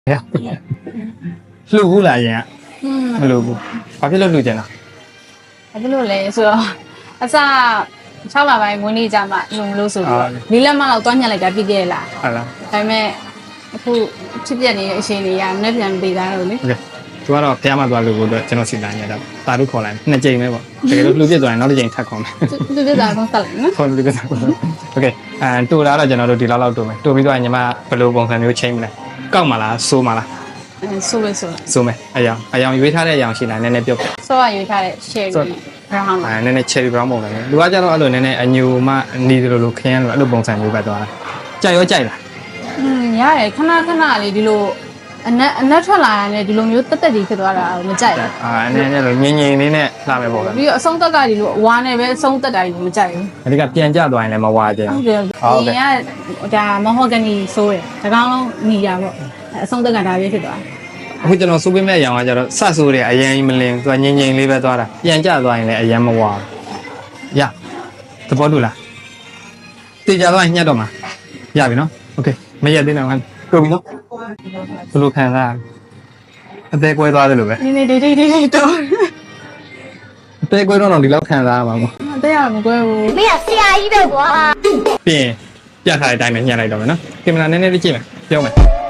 လှူဘူးလားရင်ကမလှူဘူးဘာဖြစ်လို့လှူကြင်လားဘာဖြစ်လို့လဲဆိုတော့အစ6လပိုင်းမွေးနေ့ကြမှာလုံလို့ဆိုပြီး4လက်မလောက်တွားညက်လိုက်တာပြည့်ခဲ့လားဟုတ်လားဒါပေမဲ့အခုဖြစ်ပြနေတဲ့အချိန်တွေကမနေ့ပြန်ပေးသားတော့လေโอเคသူကတော့ဖះမသွားလို့ကိုတော့ကျွန်တော်စီတိုင်းရတာတာတို့ခေါ်လိုက်နှစ်ကြိမ်ပဲပေါ့တကယ်လို့လှူပြစ်သွားရင်နောက်တစ်ကြိမ်ထပ်ခေါ်မယ်သူပြသားတော့ဆက်လိုက်နော်ခေါ်လှူပြစ်သွားโอเคတူလာတော့ကျွန်တော်တို့ဒီလောက်တူမယ်တူပြီးတော့ညီမဘယ်လိုပုံစံမျိုးချိန်မလဲကောက်မလားစိုးမလားဆိုပဲဆိုစိုးမယ်အယောင်ရွေးထားတဲ့အယောင်ရှိလားနည်းနည်းပြုတ်ဆိုရရွေးထားတဲ့ cherry brown နည်းနည်း cherry brown ပုံစံမျိုးလူကကြတော့အဲ့လိုနည်းနည်းအညူမှနီးတယ်လို့ခင်းလို့အဲ့လိုပုံစံမျိုးပဲသွားတာကြိုက်ရောကြိုက်လားရတယ်ခဏလေးဒီလိုအနက်ထွက်လာရတယ်ဒီလိုမျိုးတက်တက်ကြီးဖြစ်သွားတာမကြိုက်ဘူးနည်းနည်းလိုငြိမ်လေးနဲ့လာမယ်ပေါ့ဗျာပြီးတော့အဆုံးသက်ကဒီလိုအဝါနဲ့ပဲအဆုံးသက်တာကြီးမကြိုက်ဘူးအဓိကပြန်ကြသွားရင်လည်းမဝါကြဘူးဟုတ်တယ်ဒီကဒါမဟောဂနီဆိုးတယ်ဒါကောင်လုံးညီရပေါ့အဆုံးသက်ကဒါပဲဖြစ်သွားအခုကျွန်တော်စိုးပေးမဲ့အရောင်ကကျတော့ဆတ်ဆိုးတယ်အရင်မလင်သူကငြိမ်လေးပဲသွားတာပြန်ကြသွားရင်လည်းအရင်မဝါရသဘောတူလားတေချာသွားရင်ညှက်တော့မှာရပြီနော်โอเคမရက်သေးတော့ဟန်ကုန်ပြီနော်ဘယ်လိုခံစားအသေးကွဲသွားတယ်လို့ပဲနည်းနည်းတိတ်တော့အသေးကွဲတော့ဒီလောက်ခံစားရမှာပေါ့အသေးရမကွဲဘူးမင်းကဆရာကြီးပဲကွာပြင်ပြထားတဲ့အတိုင်းပဲညှက်လိုက်တော့မယ်နော်ကင်မရာနည်းနည်းလေးကြည့်မယ်ပြောမယ်